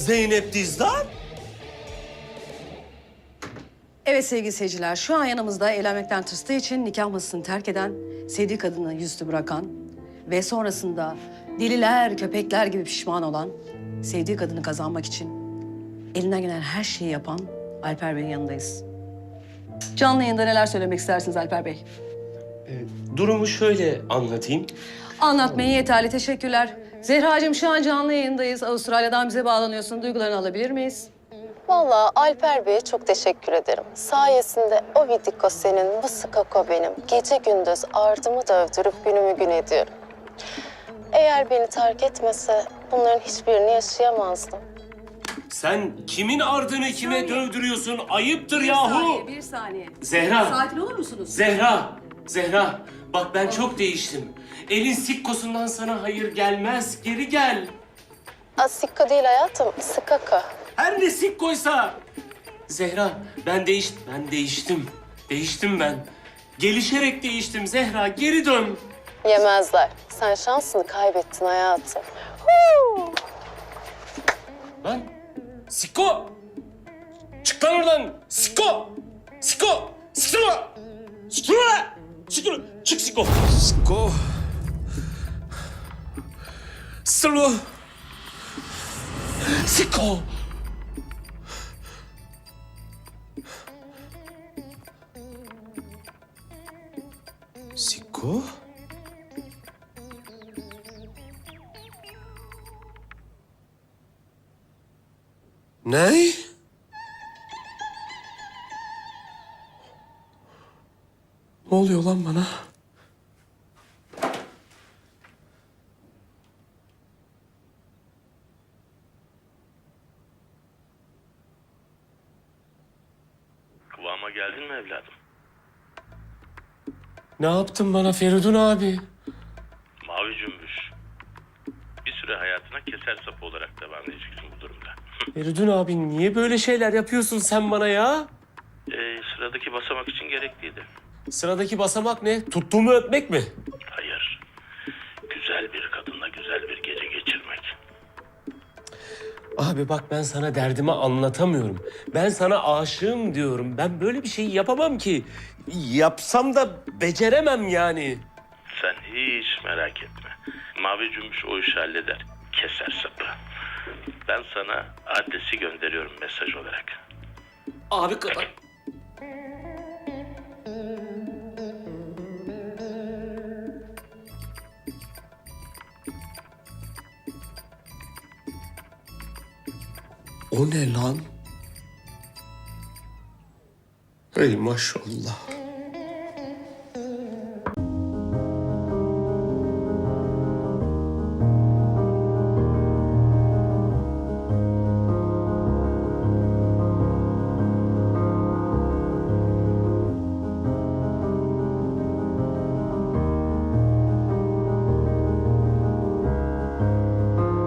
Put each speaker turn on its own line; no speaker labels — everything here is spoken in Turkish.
Zeynep Dizdar?
Evet sevgili seyirciler, şu an yanımızda evlenmekten tırstığı için nikah masasını terk eden, sevdiği kadını yüzüstü bırakan ve sonrasında deliler, köpekler gibi pişman olan, sevdiği kadını kazanmak için elinden gelen her şeyi yapan Alper Bey'in yanındayız. Canlı yayında neler söylemek istersiniz Alper Bey?
Durumu şöyle anlatayım.
Anlatmayın yeterli, teşekkürler. Zehracığım şu an canlı yayındayız. Avustralya'dan bize bağlanıyorsun. Duygularını alabilir miyiz?
Vallahi Alper Bey'e çok teşekkür ederim. Sayesinde o vidiko senin, bu skako benim. Gece gündüz ardımı dövdürüp günümü gün ediyorum. Eğer beni terk etmese bunların hiçbirini yaşayamazdım.
Sen kimin ardını kime
saniye.
dövdürüyorsun? Ayıptır
Bir
yahu.
saniye, bir saniye.
Zehra.
Sakin olur musunuz?
Zehra. Bak ben çok değiştim. Elin sikkosundan sana hayır gelmez. Geri gel.
Sikko değil hayatım, skako.
Her ne sikkoysa. Zehra, ben değiştim. Değiştim ben. Gelişerek değiştim Zehra. Geri dön.
Yemezler. Sen şansını kaybettin hayatım.
Lan sikko. Çık lan oradan. Sikko. Sikko. Sikko. Sikko. Sikko. Çık sikko.
Sikko. Sırlı.
Sikko.
Sikko? Ne? Ne oluyor lan bana?
Kıvama geldin mi evladım?
Ne yaptın bana Feridun abi?
Mavi cümbüş. Bir süre hayatına keser sapı olarak devam edeceksin bu durumda.
Feridun abi niye böyle şeyler yapıyorsun sen bana ya?
Sıradaki basamak için gerekliydi.
Sıradaki basamak ne? Tuttuğumu öpmek mi?
Hayır. Güzel bir kadınla güzel bir gece geçirmek.
Abi bak ben sana derdimi anlatamıyorum. Ben sana aşığım diyorum. Ben böyle bir şeyi yapamam ki. Yapsam da beceremem yani.
Sen hiç merak etme. Mavi cümbüş o işi halleder. Keser sapı. Ben sana adresi gönderiyorum mesaj olarak.
Abi kadar.
O ne lan? Hey maşallah.